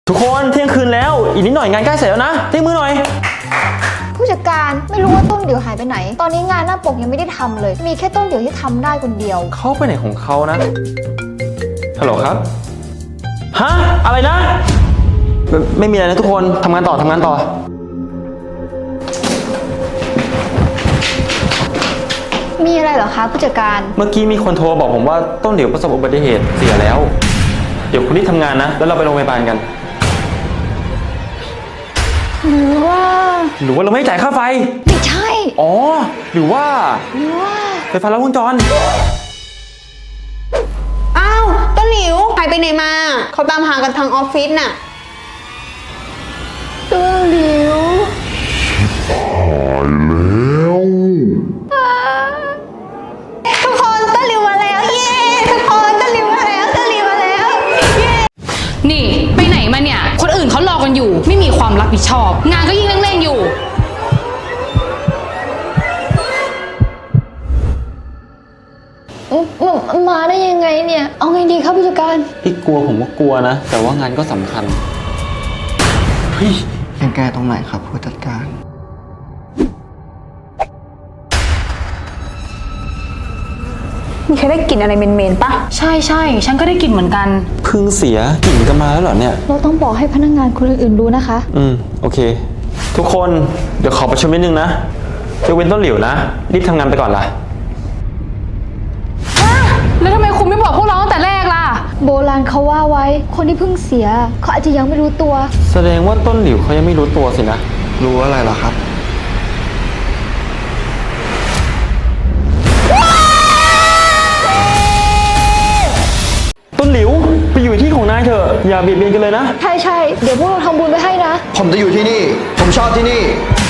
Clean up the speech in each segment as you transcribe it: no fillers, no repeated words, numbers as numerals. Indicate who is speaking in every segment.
Speaker 1: ทุกคนเที่ยงคืนแล้วอีกนิดหน่อยงานใกล้เสร็จแล้วนะเที่ยงมือหน่อย
Speaker 2: ผู้จัดการไม่รู้ว่าต้นเดี่ยวหายไปไหนตอนนี้งานหน้าปกยังไม่ได้ทำเลยมีแค่ต้นเดี่ยวที่ทำได้คนเดียว
Speaker 1: เขาไปไหนของเขานะฮัลโหลครับฮะอะไรนะไม่มีอะไรนะทุกคนทำงานต่อ
Speaker 2: มีอะไรเหรอคะผู้จัดการ
Speaker 1: เมื่อกี้มีคนโทรบอกผมว่าต้นเดี่ยวประสบอุบัติเหตุเสียแล้วเดี๋ยวคุณรีบทำงานนะแล้วเราไปโรงพยาบาลกัน
Speaker 2: หรือว่า
Speaker 1: เราไม่จ่ายค่าไฟ
Speaker 2: ไม่ใช่
Speaker 1: อ๋อหรือว่าไฟฟ้าลัดวงจร
Speaker 3: อ้าวต้นหลิวหายไปไหนมาเขาตามหากันทางออฟฟิศน่ะ
Speaker 2: ต้นหลิว
Speaker 3: ทุกคนต้นหลิวมาแล้วเย้ทุกคนต้นหลิวมาแล้วต้นหลิวมาแล้วเย้
Speaker 4: นี่ไปไหนมาเนี่ยคนอื่นเขารอกันอยู่ไม่มีความรับผิดชอบงานก็ยิ่งเร่งๆอยู่
Speaker 2: มาได้ยังไงเนี่ยเอาไงดีครับผู้จัดการ
Speaker 1: พี่กลัวผมก็กลัวนะแต่ว่างานก็สำคัญเฮ้ย
Speaker 5: ยังแก้ตรงไหนครับผู้จัดการ
Speaker 3: มีใครได้กลิ่นอะไรเหม็นๆปะ
Speaker 4: ใช่ฉันก็ได้กลิ่นเหมือนกัน
Speaker 1: เพิ่งเสียกลิ่นกันมาแล้วเหรอเนี่ย
Speaker 2: เราต้องบอกให้พนักงานคนอื่นๆรู้นะคะ
Speaker 1: โอเคทุกคนเดี๋ยวขอประชุมนิดนึงนะยกเว้นต้นหลิวนะรีบทำงานไปก่อนล่ะ
Speaker 4: แล้วทำไมคุณไม่บอกพวกเราตั้งแต่แรกล่ะ
Speaker 2: โบราณเขาว่าไว้คนที่เพิ่งเสียเขาอาจจะยังไม่รู้ตัว
Speaker 1: แสดงว่าต้นหลิวเขายังไม่รู้ตัวสินะ
Speaker 5: รู้อะไรเหรอครับ
Speaker 1: ต้นหลิวไปอยู่ที่ของนายเถอะอย่าเบียดเบียนกันเลยนะ
Speaker 2: ใช่เดี๋ยวพวกเราทำบุญไปให้นะ
Speaker 5: ผมจะอยู่ที่นี่ผมชอบที่นี่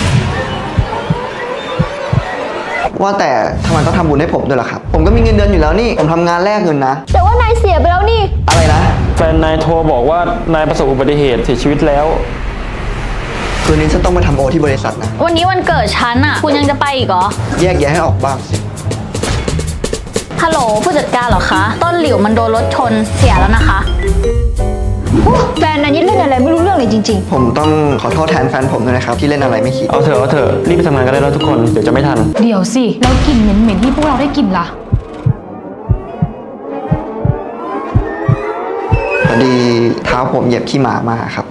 Speaker 5: ว่าแต่ทำไมต้องทำบุญให้ผมด้วยล่ะครับผมก็มีเงินเดือนอยู่แล้วนี่ผมทำงานแลกเงินนะ
Speaker 2: แต่ว่านายเสียไปแล้วนี่
Speaker 5: อะไรนะ
Speaker 1: แฟนนายโทรบอกว่านายประสบอุบัติเหตุเสียชีวิตแล้ว
Speaker 5: คืนนี้ฉันต้องไปทำโอที่บริษัทนะ
Speaker 6: วันนี้วันเกิดฉันอ่ะคุณยังจะไปอีกเหรอ
Speaker 5: แยกแยะให้ออกบ้างสิ
Speaker 6: ฮัลโหลผู้จัดการเหรอคะต้นหลิวมันโดนรถชนเสียแล้วนะคะ
Speaker 2: แฟนนายนี่เล่นอะไรไม่รู้เรื่องเลยจริง
Speaker 5: ๆผมต้องขอโทษแทนแฟนผมด้วยนะครับที่เล่นอะไรไม่คิด
Speaker 1: เอาเถอะรีบไปทำงานกันได้แล้วทุกคนเดี๋ยวจะไม่ทัน
Speaker 4: เดี๋ยวสิแล้วกลิ่นเหม็นๆที่พวกเราได้กลิ่นล่ะ
Speaker 5: พอดีเท้าผมเหยียบขี้หมามาครับ